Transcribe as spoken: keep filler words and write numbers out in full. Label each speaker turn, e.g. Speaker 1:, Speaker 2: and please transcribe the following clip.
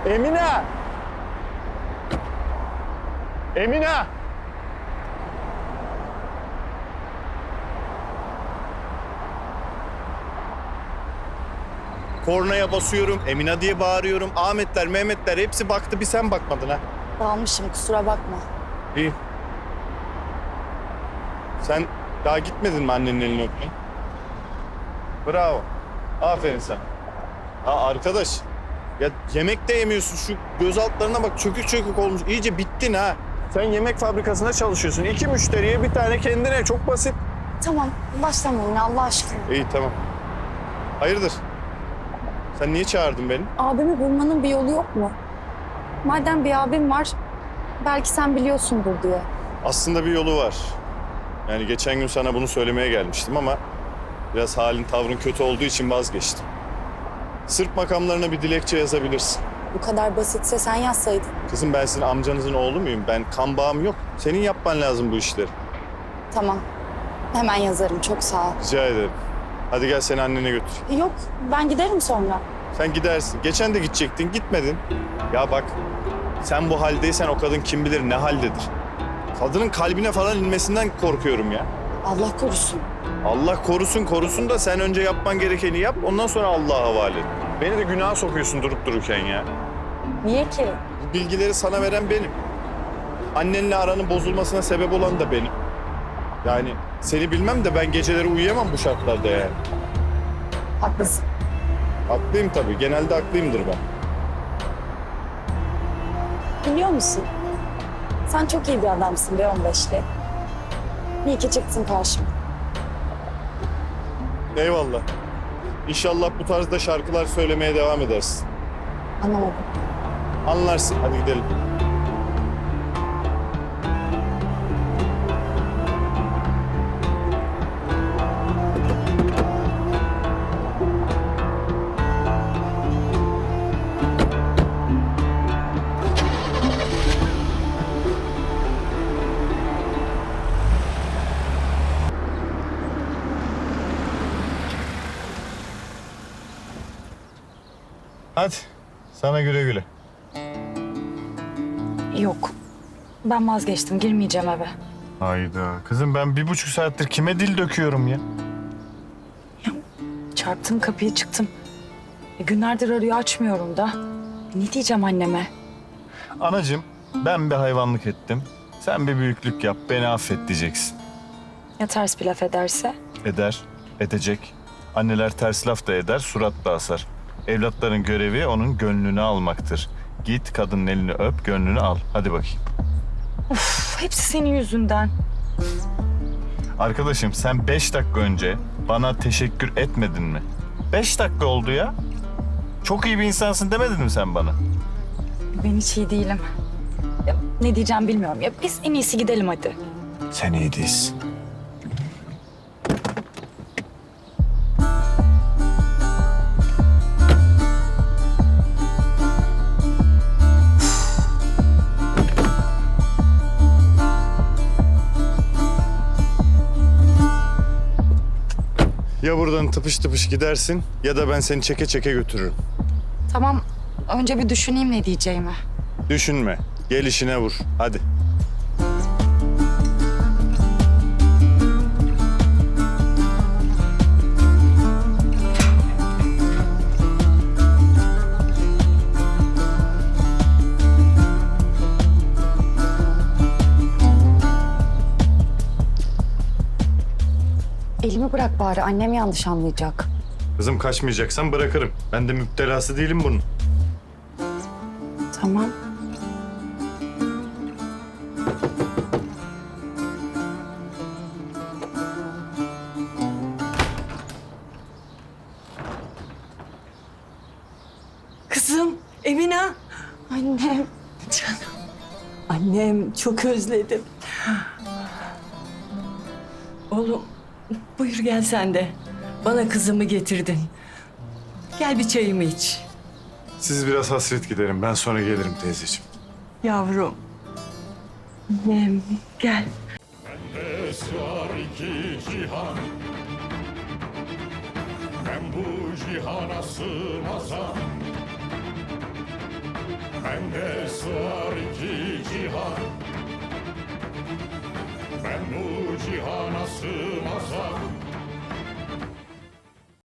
Speaker 1: Emine! Emine! Kornaya basıyorum, Emine diye bağırıyorum. Ahmetler, Mehmetler hepsi baktı, bir sen bakmadın ha.
Speaker 2: Dalmışım, kusura bakma.
Speaker 1: İyi. Sen daha gitmedin mi annenin elini öpmeye? Bravo. Aferin sana. Ha arkadaş, ya yemek de yemiyorsun. Şu göz altlarına bak, çökük çökük olmuş. İyice bittin ha. Sen yemek fabrikasında çalışıyorsun. İki müşteriye bir tane kendine. Çok basit.
Speaker 2: Tamam, başlama yine Allah aşkına.
Speaker 1: İyi tamam. Hayırdır? Sen niye çağırdın beni?
Speaker 2: Abimi bulmanın bir yolu yok mu? Madem bir abim var, belki sen biliyorsundur diye.
Speaker 1: Aslında bir yolu var. Yani geçen gün sana bunu söylemeye gelmiştim ama biraz halin tavrın kötü olduğu için vazgeçtim. Sırp makamlarına bir dilekçe yazabilirsin.
Speaker 2: Bu kadar basitse sen yazsaydın.
Speaker 1: Kızım ben sizin amcanızın oğlu muyum? Ben kan bağım yok. Senin yapman lazım bu işleri.
Speaker 2: Tamam, hemen yazarım. Çok sağ ol.
Speaker 1: Rica ederim. Hadi gel seni annene götür.
Speaker 2: Yok, ben giderim sonra.
Speaker 1: Sen gidersin. Geçen de gidecektin, gitmedin. Ya bak, sen bu haldeysen o kadın kim bilir ne haldedir. Kadının kalbine falan inmesinden korkuyorum ya.
Speaker 2: Allah korusun.
Speaker 1: Allah korusun korusun da sen önce yapman gerekeni yap, ondan sonra Allah'a havale et. Beni de günaha sokuyorsun durup dururken ya.
Speaker 2: Niye ki?
Speaker 1: Bu bilgileri sana veren benim. Annenle aranın bozulmasına sebep olan da benim. Yani seni bilmem de ben geceleri uyuyamam bu şartlarda yani.
Speaker 2: Haklısın.
Speaker 1: Haklıyım tabii, genelde haklıyımdır ben.
Speaker 2: Biliyor musun? Sen çok iyi bir adamsın be on beşli. İyi ki çıktın karşıma.
Speaker 1: Eyvallah. İnşallah bu tarzda şarkılar söylemeye devam edersin.
Speaker 2: Anlamadım.
Speaker 1: Anlarsın, hadi gidelim. Hadi, sana güle güle.
Speaker 2: Yok. Ben vazgeçtim. Girmeyeceğim eve.
Speaker 1: Hayda. Kızım ben bir buçuk saattir kime dil döküyorum ya?
Speaker 2: Çarptım kapıyı çıktım. E, günlerdir arıyor açmıyorum da. Ne diyeceğim anneme?
Speaker 1: Anacığım ben bir hayvanlık ettim. Sen bir büyüklük yap, beni affet diyeceksin.
Speaker 2: Ya ters bir laf ederse?
Speaker 1: Eder, edecek. Anneler ters laf da eder, surat da asar. Evlatların görevi onun gönlünü almaktır. Git kadının elini öp, gönlünü al. Hadi bakayım.
Speaker 2: Uf, hepsi senin yüzünden.
Speaker 1: Arkadaşım sen beş dakika önce bana teşekkür etmedin mi? Beş dakika oldu ya. Çok iyi bir insansın demedin mi sen bana?
Speaker 2: Ben hiç iyi değilim. Ya, ne diyeceğim bilmiyorum. Ya biz en iyisi gidelim hadi.
Speaker 1: Sen iyi değilsin. Ya buradan tıpış tıpış gidersin ya da ben seni çeke çeke götürürüm.
Speaker 2: Tamam. Önce bir düşüneyim ne diyeceğimi.
Speaker 1: Düşünme. Gel işine vur. Hadi.
Speaker 2: Elimi bırak bari. Annem yanlış anlayacak.
Speaker 1: Kızım kaçmayacaksan bırakırım. Ben de müptelası değilim bunun.
Speaker 2: Tamam.
Speaker 3: Kızım, Emine.
Speaker 2: Annem.
Speaker 3: Canım. Annem, çok özledim. Oğlum, buyur gel sen de. Bana kızımı getirdin. Gel bir çayımı iç.
Speaker 1: Siz biraz hasret giderin. Ben sonra gelirim teyzeciğim.
Speaker 3: Yavrum. Annem, gel.
Speaker 4: Bende sığar iki cihan. Ben bu cihana sığmazam. bende sığar iki cihan. Ben bu cihana sığmazsam